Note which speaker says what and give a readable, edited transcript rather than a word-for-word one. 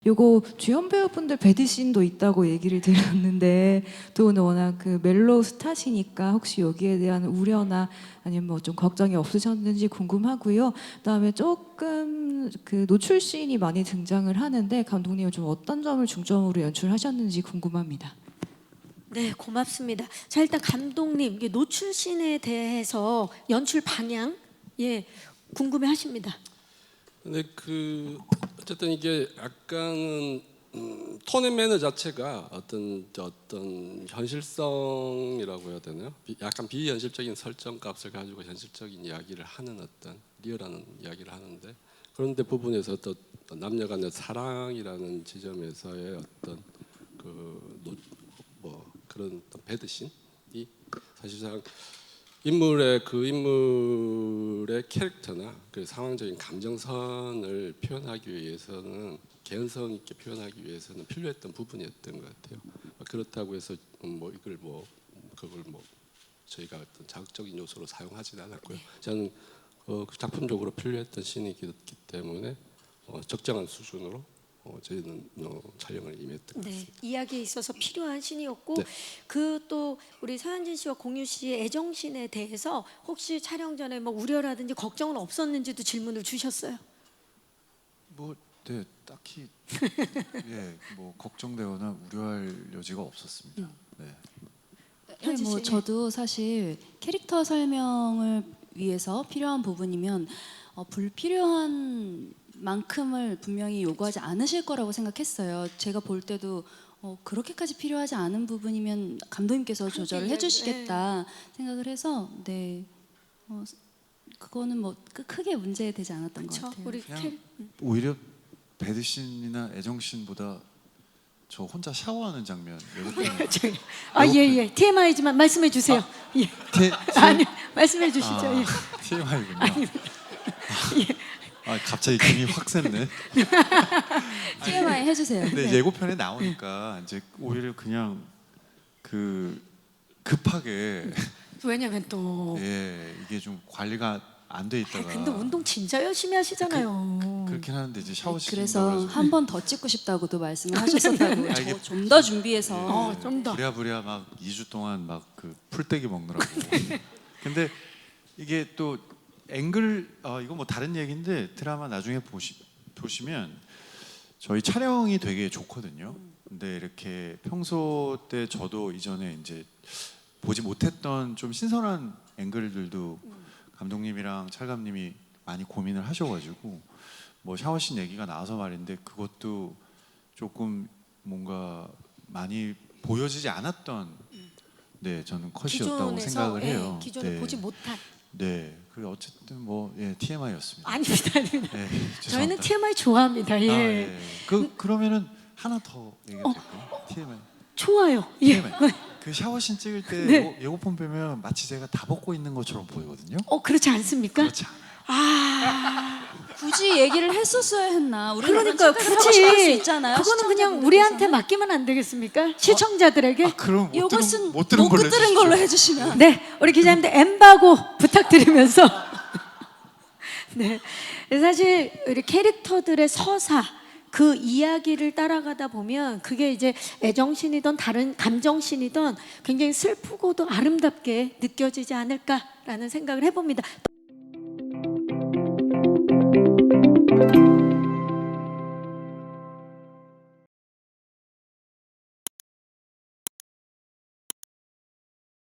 Speaker 1: 요거 주연 배우분들 배드신도 있다고 얘기를 들었는데 두 분은 워낙 그 멜로우 스타시니까 혹시 여기에 대한 우려나 아니면 뭐 좀 걱정이 없으셨는지 궁금하고요. 그다음에 조금 그 노출 씬이 많이 등장을 하는데 감독님은 좀 어떤 점을 중점으로 연출하셨는지 궁금합니다.
Speaker 2: 네, 고맙습니다. 자, 일단 감독님, 이게 노출씬에 대해서 연출 방향, 궁금해하십니다.
Speaker 3: 근데 어쨌든 이게 약간은 톤 앤 매너 자체가 어떤 현실성이라고 해야 되나요? 약간 비현실적인 설정 값을 가지고 현실적인 이야기를 하는 어떤 리얼한 이야기를 하는데, 그런데 부분에서 또 남녀 간의 사랑이라는 지점에서의 어떤 그런 어떤 배드신이 사실상 인물의 캐릭터나 그 상황적인 감정선을 표현하기 위해서는 개연성 있게 표현하기 위해서는 필요했던 부분이었던 것 같아요. 그렇다고 해서 그걸 저희가 어떤 자극적인 요소로 사용하지는 않았고요. 저는 작품적으로 필요했던 씬이기 때문에 적정한 수준으로 저희는 촬영을 임했던 것 같습니다.
Speaker 2: 이야기에 있어서 필요한 신이었고,
Speaker 3: 네.
Speaker 2: 또 우리 서현진 씨와 공유 씨의 애정신에 대해서 혹시 촬영 전에 뭐 우려라든지 걱정은 없었는지도 질문을 주셨어요.
Speaker 4: 네, 딱히 걱정되거나 우려할 여지가 없었습니다. 네.
Speaker 2: 현진 씨.
Speaker 5: 저도 사실 캐릭터 설명을 위해서 필요한 부분이면 불필요한 만큼을 분명히 요구하지 않으실 거라고 생각했어요. 제가 볼 때도 그렇게까지 필요하지 않은 부분이면 감독님께서 조절을 해주시겠다 생각을 해서 그거는 뭐 크게 문제되지 않았던 것 같아요.
Speaker 2: 우리
Speaker 4: 오히려 배드신이나 애정신보다 저 혼자 샤워하는 장면
Speaker 2: TMI지만 말씀해 주세요. 아니, 말씀해 주시죠.
Speaker 4: TMI군요. 갑자기 김이 확 샜네.
Speaker 5: TMI 해주세요.
Speaker 4: 근데 예고편에 나오니까 이제 오히려 그냥 급하게
Speaker 2: 왜냐면 또
Speaker 4: 이게 좀 관리가 안 돼 있다가.
Speaker 2: 근데 운동 진짜 열심히 하시잖아요.
Speaker 4: 그렇긴 하는데 이제 샤워실
Speaker 5: 그래서 한 번 더 찍고 싶다고도 말씀을 하셨었다고. 좀 더 준비해서.
Speaker 2: 좀 더.
Speaker 4: 부랴부랴 막 2주 동안 막 그 풀떼기 먹느라고. 근데 이게 또 앵글 이거 뭐 다른 얘기인데 드라마 나중에 보시면 저희 촬영이 되게 좋거든요. 근데 이렇게 평소 때 저도 이전에 이제 보지 못했던 좀 신선한 앵글들도 감독님이랑 찰감님이 많이 고민을 하셔가지고 뭐 샤워씬 얘기가 나와서 말인데 그것도 조금 뭔가 많이 보여지지 않았던 저는 컷이었다고 생각을 해요.
Speaker 2: 기존에 보지 못한.
Speaker 4: 네, 그리고 어쨌든 TMI였습니다.
Speaker 2: 아닙니다. 저희는
Speaker 4: 죄송합니다.
Speaker 2: TMI 좋아합니다.
Speaker 4: 그러면은 하나 더 얘기해도 될까요? TMI.
Speaker 2: 좋아요.
Speaker 4: TMI. 그 샤워씬 찍을 때 예고편 보면 마치 제가 다 벗고 있는 것처럼 보이거든요.
Speaker 2: 그렇지 않습니까?
Speaker 4: 그렇지 않아요.
Speaker 5: 굳이 얘기를 했었어야 했나?
Speaker 2: 그러니까
Speaker 5: 굳이 할 수 있잖아요.
Speaker 2: 그거는 그냥 우리한테 맡기면 안 되겠습니까? 시청자들에게.
Speaker 4: 그럼
Speaker 5: 이것은
Speaker 4: 못 들은 걸로
Speaker 5: 해주시면.
Speaker 2: 네, 우리 기자님들 엠바고 부탁드리면서. 네, 사실 우리 캐릭터들의 서사 그 이야기를 따라가다 보면 그게 이제 애정신이든 다른 감정신이든 굉장히 슬프고도 아름답게 느껴지지 않을까라는 생각을 해봅니다.